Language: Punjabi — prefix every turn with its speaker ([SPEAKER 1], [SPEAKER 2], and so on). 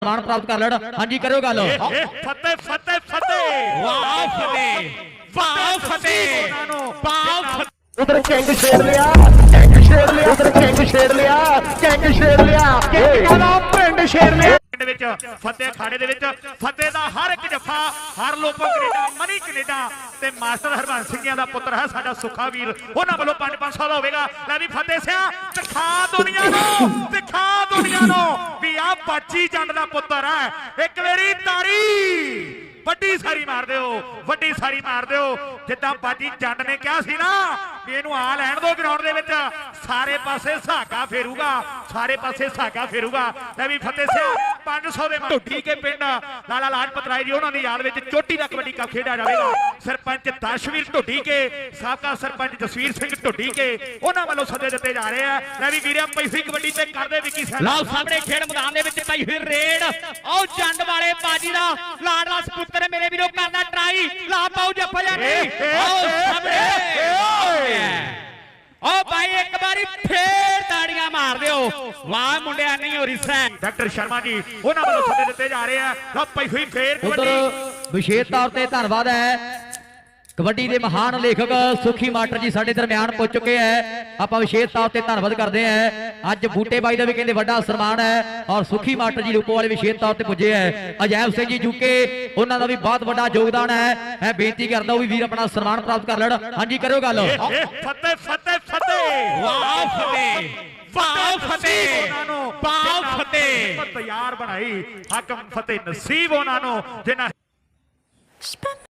[SPEAKER 1] ਸਨਮਾਨ ਪ੍ਰਾਪਤ ਕਰ ਲੈਣ। ਹਾਂਜੀ ਕਰਿਓ ਗੱਲ।
[SPEAKER 2] ਫਤਿਹ ਫਤਿਹ ਫਤਿਹ
[SPEAKER 3] ਵਾਹ ਫਤਿਹ ਵਾਹ ਫਤਿਹ ਵਾਹ
[SPEAKER 4] उधर कैंग छेड़ लिया उधर कैंग छेड़ लिया कैंग छेड़ लिया पिंड छेड़ लिया
[SPEAKER 2] ਵਿੱਚ ਫਤਿਹ ਖਾੜੇ ਦੇ ਵਿੱਚ ਫਤਿਹ ਦਾ ਹਰ ਇੱਕ ਜੱਫਾ ਹਰ ਲੋਕੋ ਕੈਨੇਡਾ ਮਨੀ ਕੈਨੇਡਾ ਤੇ ਮਾਸਟਰ ਹਰਬੰਸ ਸਿੰਘਿਆਂ ਦਾ ਪੁੱਤਰ ਹੈ ਸਾਡਾ ਸੁੱਖਾ ਵੀਰ ਉਹਨਾਂ ਵੱਲੋਂ 5-500 ਦਾ ਹੋਵੇਗਾ। ਲੈ ਵੀ ਫਤਿਹ ਸਿਆ ਦਿਖਾ ਦੁਨੀਆ ਨੂੰ ਵੀ ਆ ਬਾਜੀ ਜੰਡ ਦਾ ਪੁੱਤਰ ਹੈ। ਇੱਕ ਵਾਰੀ ਤਾੜੀ ਵੱਡੀ ਸਾਰੀ ਮਾਰ ਦਿਓ ਜਿੱਦਾਂ ਬਾਜੀ ਜੰਡ ਨੇ ਕਿਹਾ ਸੀ ਨਾ ਵੀ ਇਹਨੂੰ ਆ ਲੈਣ ਦੋ ਗਰਾਊਂਡ ਦੇ ਵਿੱਚ ਸਾਰੇ ਪਾਸੇ ਸਾਗਾ ਫੇਰੂਗਾ ਲੈ ਵੀ ਫਤਿਹ ਸਿਆ 500 ਦੇ ਢੁੱਡੀ ਕੇ ਪਿੰਡ ਲਾਲਾ ਲਾਜਪਤ ਰਾਏ ਜੀ ਉਹਨਾਂ ਦੀ ਯਾਦ ਵਿੱਚ ਚੋਟੀ ਦਾ ਕਬੱਡੀ ਕੱਪ ਖੇਡਿਆ ਜਾਵੇਗਾ। ਸਰਪੰਚ ਦਰਸ਼ਵੀਰ ਢੁੱਡੀ ਕੇ ਸਾਬਕਾ ਸਰਪੰਚ ਜਸਵੀਰ ਸਿੰਘ ਢੁੱਡੀ ਕੇ ਉਹਨਾਂ ਵੱਲੋਂ ਸੱਦੇ ਦਿੱਤੇ ਜਾ ਰਹੇ ਆ। ਲੈ ਵੀ ਵੀਰਿਆ ਪੈਸੀ ਕਬੱਡੀ ਤੇ ਕਰਦੇ ਵਿੱਕੀ ਸਾਹਿਬ
[SPEAKER 3] ਲਓ ਸਾਹਮਣੇ ਖੇਡ ਮੈਦਾਨ ਦੇ ਵਿੱਚ ਪਈ ਹੋਈ ਰੇਡ ਉਹ ਜੰਡ ਵਾਲੇ ਬਾਜੀ ਦਾ ਲਾਡਲਾ ਸਪੁੱਤਰ ਮੇਰੇ ਵੀਰੋ ਕਰਨਾ ਟਰਾਈ ਲਾ ਪਾਉ ਜੱਫਾ ਓ ਭਾਈ ਇੱਕ ਵਾਰੀ ਫੇਰ ਤਾੜੀਆਂ ਮਾਰ ਦਿਓ। ਵਾਹ ਮੁੰਡਿਆ ਨਹੀਂ ਹੋ ਰਹੀ ਸੈਂ
[SPEAKER 2] ਡਾਕਟਰ ਸ਼ਰਮਾ ਜੀ ਉਹਨਾਂ ਵੱਲੋਂ ਸੱਦੇ ਦਿੱਤੇ ਜਾ ਰਹੇ ਆ। ਲਓ ਪਈ ਹੋਈ ਫੇਰ
[SPEAKER 1] ਉਧਰ ਵਿਸ਼ੇਸ਼ ਤੌਰ ਤੇ ਧੰਨਵਾਦ ਹੈ ਕਬੱਡੀ ਦੇ ਮਹਾਨ ਲੇਖਕ ਸੁਖੀ ਮਾਸਟਰ ਜੀ ਸਾਡੇ ਦਰਮਿਆਨ ਪਹੁੰਚ ਚੁੱਕੇ ਹੈ। ਆਪਾਂ ਵਿਸ਼ੇਸ਼ ਤੌਰ ਤੇ ਧੰਨਵਾਦ ਕਰਦੇ ਹਾਂ। ਅੱਜ ਬੂਟੇ ਬਾਈ ਦਾ ਵੀ ਕਹਿੰਦੇ ਵੱਡਾ ਸਨਮਾਨ ਹੈ ਔਰ ਸੁਖੀ ਮਾਸਟਰ ਜੀ ਰੂਪੋ ਵਾਲੇ ਵਿਸ਼ੇਸ਼ ਤੌਰ ਤੇ ਪੁੱਜੇ ਹੈ। ਅਜੈਬ ਸਿੰਘ ਜੀ ਜੁਕੇ ਉਹਨਾਂ ਦਾ ਵੀ ਬਹੁਤ ਵੱਡਾ ਯੋਗਦਾਨ ਹੈ। ਮੈਂ ਬੇਨਤੀ ਕਰਦਾ ਉਹ ਵੀ ਵੀਰ ਆਪਣਾ ਸਨਮਾਨ ਪ੍ਰਾਪਤ ਕਰ ਲੈਣ। ਹਾਂਜੀ ਕਰਿਓ ਗੱਲ।
[SPEAKER 2] ਫਤਿਹ ਫਤਿਹ ਫਤਿਹ
[SPEAKER 3] ਵਾਹ ਫਤਿਹ ਵਾਹ ਫਤਿਹ ਵਾਹ ਫਤਿਹ
[SPEAKER 2] ਤਿਆਰ ਬਣਾਈ ਹਾਕਮ ਫਤਿਹ ਨਸੀਬ ਉਹਨਾਂ ਨੂੰ ਜਿਨ੍ਹਾਂ